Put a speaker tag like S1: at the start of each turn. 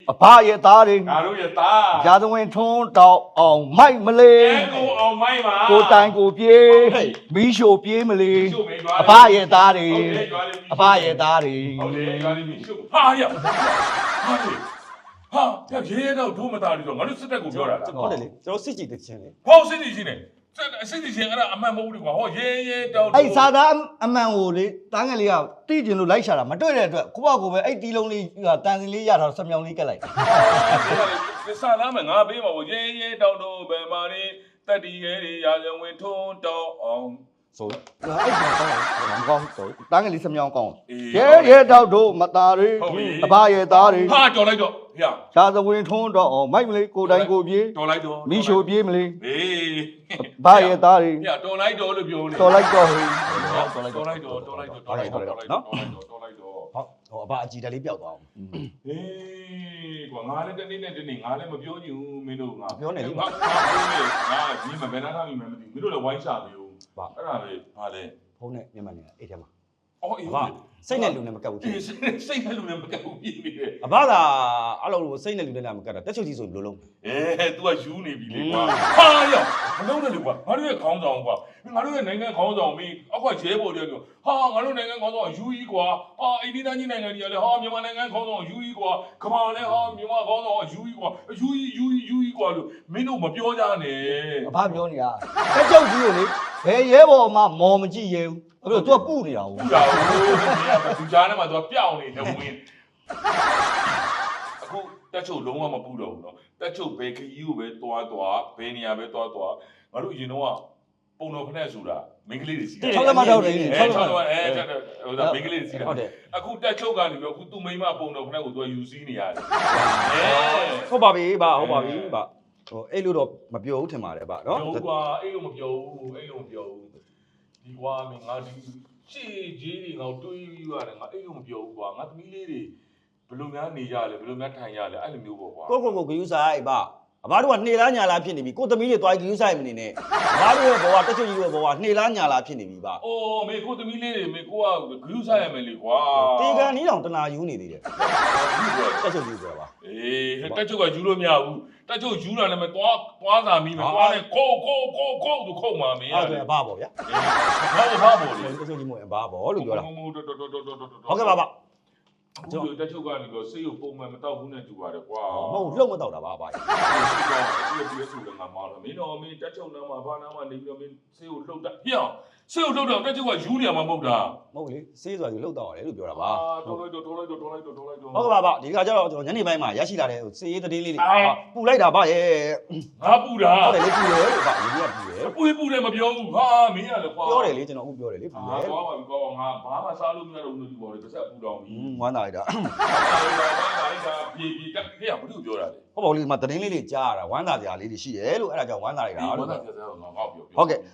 S1: အဖရဲ့သားတွေ
S2: ငါတို့ရဲ့သား
S1: ရာဇဝင်ထွန်းတောက်အောင်မိုက်မလေး
S2: ကိုအောင်မိုင်းပါ
S1: ကိုတိုင်ကိုပြေးမီးရှို့ပြေးမလေးအဖရဲ့သားတွေအဖရဲ့သားတွေ
S2: ဟုတ်တယ်ရွာလေးပြီးရှုပ်ဟာရဟာရဲတော့ဒုမသားတွေဆိုငါတို့စစ်တပ်ကိုပြောတာလား
S3: ဟုတ်တယ်လေကျွန်တော်စစ်ကြည့်တဲ့ချင်းလေ
S2: ဟောစစ်တီချင်းနေစစ်တီချင်းအဲ့ဒါအမှန်မဟုတ်ဘူးကွာဟောရဲတောက်
S1: အဲ့စာသားအမှန်ကိုလေတန်းငယ်လေးကတိကျင်လို့လိုက်ရှာတာမတွေ့တဲ့အတွက်ကိုယ့်ဘကိုပဲအဲ့တီးလုံးလေးတန်စင်လေးရထားဆက်မြောင်လေးကက်လိုက်
S2: စာသားမယ်ငါပေးမှာဟောရဲတောက်တော့ဘယ်မှာနေတက်တီရဲတွေရာဇဝင်ထွန်းတောက်အောင်
S3: ဆို
S1: အဲ့ဒါမကောင်းဘူးတန်းငယ်လေးဆက်မြောင်ကောင်းရဲတောက်တို့မသားတွေအဖရဲ့သားတွေ
S2: ဟာတော်လိုက်တော့ဖေ
S1: ရာဇဝင်ထွန်းတော့မိုက်မလေးကိုတိုင်ကိုပြေး
S2: တော်လိုက်တော့
S1: မီးရှို့ပြေးမလေး
S2: အေး
S1: အဖရဲ့သားတွေ
S2: ဖေတော်လိုက်တော့လို့ပြောနေ
S1: တော်လိုက်တော့ဟေး
S2: တော်လိုက်တော့တော်လိုက်တော့တော်လိုက်တော့တော်လိုက်တော့တော်လိုက်တော့
S3: ဟုတ်ဟိုအဘအကြည်တက်လေးပျောက်သွားအောင်
S2: ဟေးကွာငါလည်းတနေ့နဲ့တနေ့ငါလည်းမပြောချင်ဘူးမင်းတို့ငါငါပြောနေငါဒီမှာဘယ်နာထားမိမှမသိဘူးမင်းတို့လည်းဝိုင်းချပြီဦးအဲ့ဒါပဲဟာလေ
S3: ဖုန်းနဲ့မြန်မာနေတာအဲ့ထဲမှာ
S2: အော်အေး
S3: အဘစိတ်နဲ့လူနဲ့မကပ်ဘူးဖြစ်
S2: စိတ်နဲ့လူနဲ့မကပ်ဘူးပြင်းနေတယ်
S3: အဘသာအဲ့လိုစိတ်နဲ့လူနဲ့မကပ်တာတက်ချုပ်ကြီးဆိုဘယ်လိုလုပ်
S2: तू ကယူနေပြီလေကွာဟာရောမလုံးနဲ့လေကွာငါတို့ရဲ့ခေါင်းဆောင်ကွာငါတို့ရဲ့နိုင်ငံခေါင်းဆောင်မင်းအောက်ကရဲဘော်တွေပြောဟာငါတို့နိုင်ငံခေါင်းဆောင်ယူကြီးကွာဟာအိန္ဒိယကြီးနိုင်ငံကြီးကလည်းဟာမြန်မာနိုင်ငံခေါင်းဆောင်ယူကြီးကွာကမ္ဘာလည်းဟာမြန်မာခေါင်းဆောင်ယူကြီးကွာယူကြီးကွာလို့မင်းတို့မပြောကြနဲ့
S1: အဖပြောနေတာတက်ကြောက်ကြီးကိုလေဘယ်ရဲဘော်မှမော်မကြည့်ရဲဘူးအဲ့လိုသူကပူနေတာဟုတ်
S2: ပူတာဟုတ်သူကြားထဲမှာ तू ကပျောက်နေတယ်ဝင်အခုတက်ချုပ်လုံးဝမပူတော့ဘူးเนาะတက်ချုပ်ဘယ်ခရီးကိုပဲတွားဘယ်နေရာပဲတွားငါတို့အရင်တော့ပုံတော်ဖက်ဆိုတာမိန်းကလေးတွေစီးတယ်
S1: 6လက်မတော့တယ်
S2: 6လက်မဟိုဒါမိန်းကလေးတွေစီးတယ်
S3: ဟုတ်တယ်
S2: အခုတက်ချုပ်ကနေပြီးအခုသူ့မိန်းမပုံတော်ဖက်ကို तू ယူစီးနေရတယ်
S3: ဟုတ်ပါပြီဗျဟုတ်ပါပြီဗျဟိုအဲ့လိုတော့မပြောဘူးထင်ပါတယ်ဗျနော်
S2: ပြောကွာအဲ့လိုမပြောဘူးဒီကွာမင်းငါဒီရှေ့ကြီးတွေငါတွေးပြီးရတယ်ငါအဲ့လိုမပြောဘူးကွာငါသမီးလေးတွေဘယ်လိုများနေကြလဲဘယ်လိုများထိုင်ကြလဲအဲ့လိုမျိုးပေါ့ကွာ
S3: ကိုဂယူဆိုင်ဗျအဘတို့ကနှေလားညာလားဖြစ်နေပြီကိုသမီးတွေသွားဂယူဆိုင်မနေနဲ့အဘတို့ရဲ့ဘဝတက်ချုပ်ကြီးရဲ့ဘဝနှေလားညာလားဖြစ်နေပြီဗျ
S2: အိုးမေကိုသမီးလေးတွေမေကိုကဂရုစားရမယ်လေကွာ
S3: တေကန်နီးတောင်တနာယူနေသေးတယ်တက်ချုပ်ကြီးပြောပါ
S2: အေးတက်ချုပ်ကယူလို့မရဘူးတက်ချုပ်ယူတာလည်းမသွားစာမီးမသွားနဲ့ခိုးသူခုံမှာမင်း
S3: အဲ့
S2: ရတယ်
S3: ဒါအဘပေါ့ဗျာ
S2: ဘာပေါ့လေ
S3: တက်ချုပ်ကြီးမို့အဘပေါ့လို့ပြောတာ
S2: ဟုတ်ကဲ့ပါ
S3: ကျွန်တော်
S2: တက်ချုပ်ကနေပြီးဆေးရုံပုံမှန်မတောက်ဘူးနဲ့တူပါတယ်ကွာ
S3: မဟုတ်လှုပ်မတော့တာပါအဘ
S2: ဒီဆိုလည်းငါမလာမင်းတော့မင်းတက်ချုပ်နားမှာဘာနားမှာနေပြီးတော့မင်းဆေးကိုလှုပ်တာဟျောဆေးကိုလှုပ်တော့တက်ချုပ်ကယူနေရမှာမဟုတ်တာ
S3: မဟုတ်လေစေးဆိုတာကြီးလှုပ်တော့တယ်လို့ပြောတာပါ
S2: တော်လိုက်တော့
S3: ဟုတ်ကဲ့ပါဒီကကြတော့ကျွန်တော်ညနေပိုင်းမှာရရှိလာတဲ့စေးရေးသတင်းလေးတွေပူလိုက်တာဗျရဲ့
S2: ငါပူတာ
S3: ဟုတ်တယ်လေပူတယ်လို့ဗျဒီကပူတယ်
S2: ပူတယ်မပြောဘူးဟာမင်းရလေကွာ
S3: ပြောတယ်လေကျွန်တော်အခုပြောတယ်လေပူတယ်
S2: သွားပါပြီကွာငါဘာမှစားလို့မရတော့ဘူးလို့ပြောတယ်ပါစက်ပူတော့ပြီ
S3: ဝမ်းသာလိုက်တာ
S2: ပြေတက်ခဲ့ရဘာလို့ပြောတာလဲ
S3: ဟုတ်ပါဘူးလေဒီမှာသတင်းလေးတွေကြားရတာဝမ်းသာစရာလေးတွေရှိတယ်လို့အဲ့ဒါကြောင့်ဝမ်းသာလိုက်တာ
S2: ဘာ
S3: လို့
S2: သာဆက်ဆက်ငါငါ့ပြော
S3: ဟုတ်ကဲ့